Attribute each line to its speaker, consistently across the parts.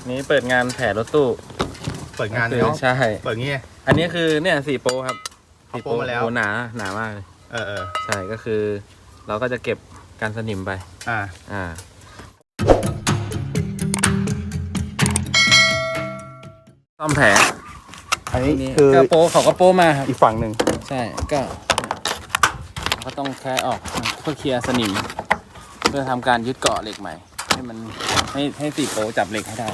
Speaker 1: นี้เปิดงานแผรรถตู้
Speaker 2: เปิดงานเนาะ
Speaker 1: ใช่
Speaker 2: เปิดงี้
Speaker 1: อันนี้คือเนี่ย4 โปรครับ
Speaker 2: 4 โปรมาแล้ว
Speaker 1: หนามากเลยใช่ก็คือเราก็จะเก็บการสนิมไปซ่อมแผล
Speaker 2: อันนี้คือ
Speaker 1: โปรเขาก็โปรมาครับ
Speaker 2: อีกฝั่งหนึ่ง
Speaker 1: ใช่ก็ต้องแค่ออกเพื่อเคลียร์สนิมเพื่อทำการยึดเกาะเหล็กใหม่ให้มันให้4 โปรจับเหล็กให้ได้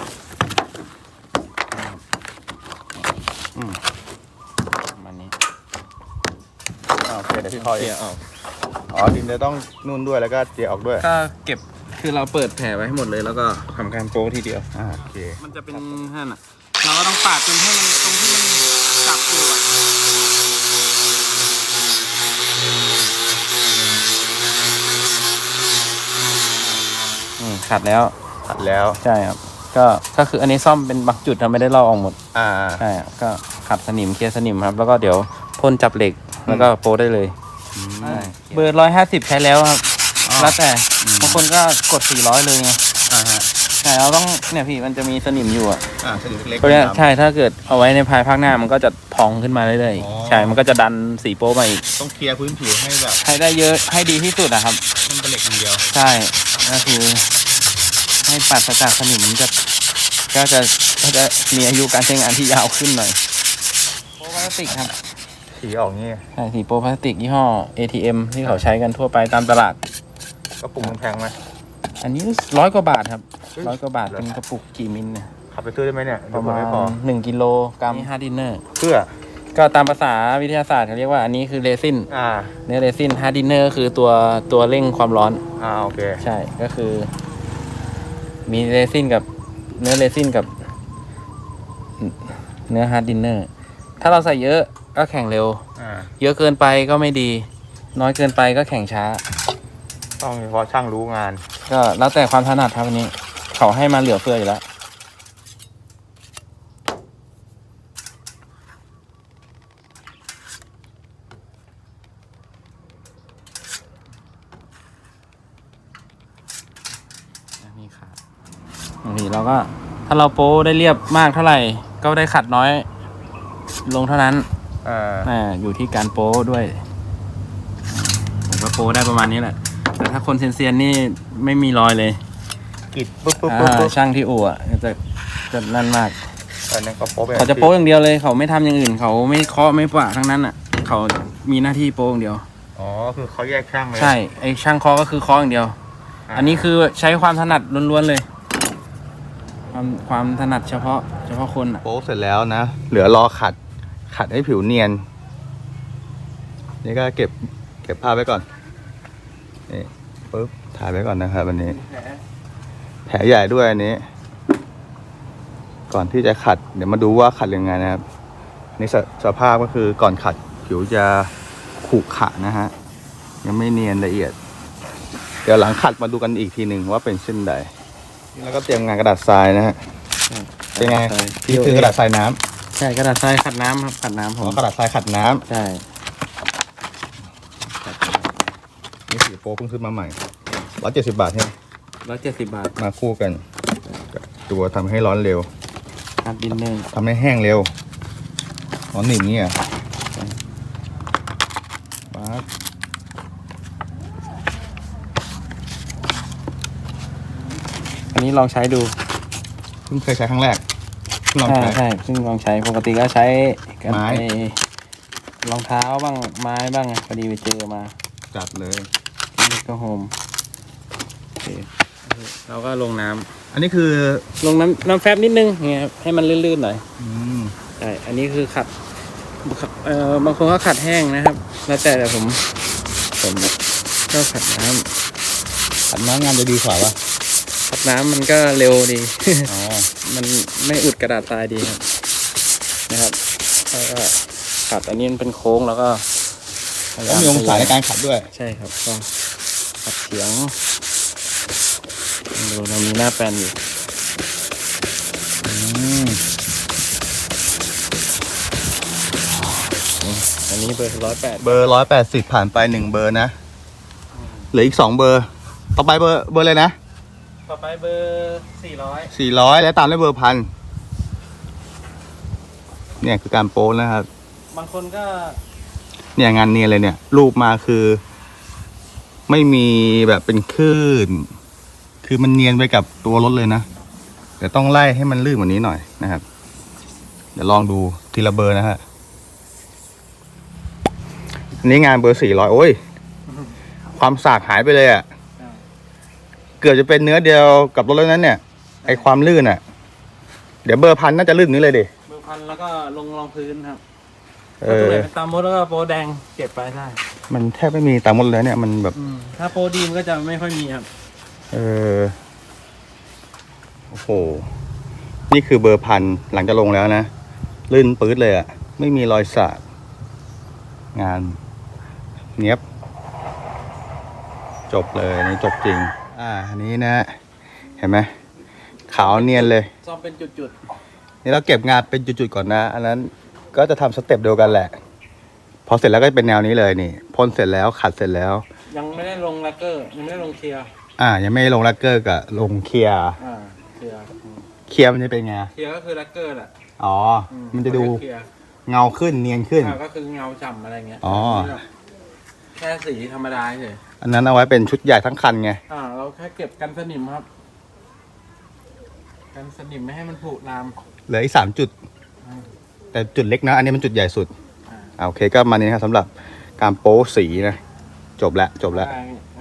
Speaker 1: มันนี้
Speaker 2: โอเคเดี๋ยวพี่คอย
Speaker 1: เคลียร์ออก
Speaker 2: ดินจะต้องนุ่นด้วยแล้วก็เจียออกด้วย
Speaker 1: ก็เก็บคือเราเปิดแผลไว้ให้หมดเลยแล้วก็ทำการโป๊ทีเดียว
Speaker 2: โอเค
Speaker 1: มันจะเป็นนั่นอ่ะเราก็ต้องปาดจนให้มันตรงที่มันจับอยู่ขัดแล้วใช่ครับก็คืออันนี้ซ่อมเป็นบางจุดเราไม่ได้ลอกออกหมดใช่ก็ขัดสนิมเคลียร์สนิมครับแล้วก็เดี๋ยวพ่นจับเหล็กแล้วก็โป๊ได้เลยเบอร์150ใช้แล้วครับแล้วแต่บางคนก็กด400เลยไงแต่เราต้องเนี่ยพี่มันจะมีสนิมอยู่
Speaker 2: สนิมเล็ก
Speaker 1: ๆใช่ถ้าเกิดเอาไว้ในภายภาคหน้ามันก็จะพองขึ้นมาเรื่อยๆใช่มันก็จะดัน4 โป๊มาอีก
Speaker 2: ต้องเคลียร์พื้นผิวให้แบบ
Speaker 1: ให้ได้เยอะให้ดีที่สุดนะครับ
Speaker 2: มันเป็นเหล็กอย่างเดียว
Speaker 1: ใช่ก็คือให้ปราศจากสนิมก็จะมีอายุการใช้งานที่ยาวขึ้นหน่อยโป๊พลาสติกครับ
Speaker 2: สีออกงี้
Speaker 1: ใช่สีโป๊พลาสติกยี่ห้อ ATM ที่เขาใช้กันทั่วไปตามตลาด
Speaker 2: กระปุกแพงไหม
Speaker 1: อันนี้100 กว่าบาทครับ100 กว่าบาทเป็นกระปุกกี่มิลเนี่ย
Speaker 2: ขับไปซื้อได้ไหมเนี่ย
Speaker 1: ประมาณ1 กิโลกรัมฮาร์ดดินเนอร์
Speaker 2: เพื่อ
Speaker 1: ก็ตามภาษาวิทยาศาสตร์เขาเรียกว่าอันนี้คือเรซินเนื้อเรซินฮาร์ดดินเนอร์คือตัวเร่งความร้อน
Speaker 2: โอเค
Speaker 1: ใช่ก็คือมีเรซินกับเนื้อเรซินกับเนื้อฮาร์ดดินเนอร์ถ้าเราใส่เยอะก็แข็งเร็วเยอะเกินไปก็ไม่ดีน้อยเกินไปก็แข็งช้า
Speaker 2: ต้องเฉพาะช่างรู้งาน
Speaker 1: ก็แล้วแต่ความถนัดครับวันนี้เขาให้มาเหลือเฟืออยู่แล้วนี่ครับบางทีเราก็ถ้าเราโป้ได้เรียบมากเท่าไหร่ก็ได้ขัดน้อยลงเท่านั้นอยู่ที่การโป้ด้วยผมก็โป้ได้ประมาณนี้แหละแต่ถ้าคนเซียนๆนี่ไม่มีรอยเลย
Speaker 2: กิดปุ๊บ
Speaker 1: ช่างที่อู่จะนั่นมาก
Speaker 2: เขา
Speaker 1: จะโป้อย่างเดียวเลยเขาไม่ทำอย่างอื่นเขาไม่เคาะไม่ปะทั้งนั้นเขามีหน้าที่โป้อย่างเดียว
Speaker 2: คือเขาแยกช่างเลย
Speaker 1: ใช่ไอช่างเคาะก็คือเคาะอย่างเดียวอันนี้คือใช้ความถนัดล้วนๆเลยความถนัดเฉพาะคน
Speaker 2: โป๊เสร็จแล้วนะเหลือรอขัดให้ผิวเนียนนี่ก็เก็บภาพไว้ก่อนนี่ปุ๊บถ่ายไว้ก่อนนะครับวันนี้แผลใหญ่ด้วยอันนี้ก่อนที่จะขัดเดี๋ยวมาดูว่าขัดยังไงนะครับนี่สภาพก็คือก่อนขัดผิวจะขรุขระนะฮะยังไม่เนียนละเอียดเดี๋ยวหลังขัดมาดูกันอีกทีหนึ่งว่าเป็นเช่นใดแล้วก็เตรียมงานกระดาษทรายนะฮะเป็นไงพี่คือกระดาษทรายน้ำ
Speaker 1: ใช่กระดาษทรายขัดน้ำครับขัดน้ำผม
Speaker 2: กระดาษทรายขัดน้ำ
Speaker 1: ใช่
Speaker 2: นี่สีโป๊เพิ่งขึ้นมาใหม่170 บาทใช่ไหม
Speaker 1: 170 บาท
Speaker 2: มาคู่กันตัวทำให้ร้อนเร็ว
Speaker 1: ฮาร์ดดินเนอร์
Speaker 2: ทำให้แห้งเร็วหนีบนี่
Speaker 1: อันนี้ลองใช้ดู
Speaker 2: เพิ่งเคยใช้ครั้งแรก
Speaker 1: ใช่เพิ่งลองใช้ปกติก็ใช้ไม้รองเท้าบ้างไม้บ้างพอดีไปเจอมา
Speaker 2: จัดเลย
Speaker 1: นี่ก็โฮมโอเคเราก็ลงน้ำ
Speaker 2: อันนี้คือ
Speaker 1: ลงน้ำแฟบนิดนึงไงให้มันลื่นๆหน่อยใช่อันนี้คือขัดบางคนก็ขัดแห้งนะครับแล้วแต่ผมก็ขัดน้
Speaker 2: งานจะดีกว่า
Speaker 1: ขัดน้ำมันก็เร็วดีมันไม่อุดกระดาษทรายดีครับนะครับแล้วก็ขัดอันนี้มันเป็นโค้งแล้วก็
Speaker 2: มีองศาในการขัดด้วย
Speaker 1: ใช่ครับก็ขัดเฉียงดูเรามีหน้าแปลนอยู่อันนี้เบอร์180
Speaker 2: เบอร์180ผ่านไป1เบอร์นะเหลืออีก2เบอร์ต่อไปเบอร์เลยนะ
Speaker 1: ตต่อไปเบอร์400
Speaker 2: 400 แล้วตามด้วยเบอร์พันเนี่ยคือการโป้นะครับ
Speaker 1: บางคนก็
Speaker 2: เนี่ยงานเนียนเลยเนี่ย รูปมาคือ ไม่มีแบบเป็นคลื่นคือมันเนียนไปกับตัวรถเลยนะแต่ต้องไล่ให้มันลื่นกว่านี้หน่อยนะครับ เดี๋ยวลองดูทีละเบอร์นะฮะอันนี้งานเบอร์400โอ้ยความสากหายไปเลยอ่ะเกือบจะเป็นเนื้อเดียวกับรถแล้วนั้นเนี่ยไอความลื่นอ่ะ เดี๋ยวเบอร์พันน่าจะลื่นนี้เลยดิ
Speaker 1: เบอร์พันแล้วก็ลงรองพื้นครับ
Speaker 2: เอ
Speaker 1: ถ้าตัว
Speaker 2: อ
Speaker 1: ไหนเป็นตามมดแล้วก็โปรแดงเก็บไปได้
Speaker 2: มันแทบไม่มีตามหมดเลยเนี่ยมันแบบ
Speaker 1: ถ้าโปรดีมก็จะไม่ค่อยมีครับ
Speaker 2: เออโอ้โหนี่คือเบอร์พันหลังจะลงแล้วนะลื่นปื๊ดเลยอ่ะไม่มีรอยสากงานเนี้ยบจบเลยนี่จบจริงอันนี้นะเห็นไหมขาวเนียนเลย
Speaker 1: ซ่อมเป็นจุด
Speaker 2: นี่เราเก็บงานเป็นจุดๆก่อนนะ อันนั้นก็จะทำสเต็ปเดียวกันแหละ พอเสร็จแล้วก็เป็นแนวนี้เลยนี่พ่นเสร็จแล้วขัดเสร็จแล้ว
Speaker 1: ๆยังไม่ได้ลงแลกเกอร์ยังไม่ได้ลงเคลียร์
Speaker 2: ยังไม่ลงแลกเกอร์กับลงเคลียร์
Speaker 1: เคลียร์
Speaker 2: เคลียร์มันจะเป็นไง
Speaker 1: เคลียร์ก็คือแลกเกอร์แหละ
Speaker 2: อ๋อมันจะดู
Speaker 1: เคลียร์
Speaker 2: เงาขึ้นเนียนขึ้น
Speaker 1: ก็คือเงาฉ่ำอะไรเงี้ย
Speaker 2: อ๋อ
Speaker 1: แค่สีธรรมดาเฉย
Speaker 2: อันนั้นเอาไว้เป็นชุดใหญ่ทั้งคันไง
Speaker 1: เราแค่เก็บกันสนิมครับ กันสนิมไม่ให้มันผุน้ำ
Speaker 2: เหลืออีก3 จุด แต่จุดเล็กนะ อันนี้มันจุดใหญ่สุด
Speaker 1: อ่า
Speaker 2: โอเคก็มานี้นะครับสำหรับการโป๊สีนะ จบแล้ว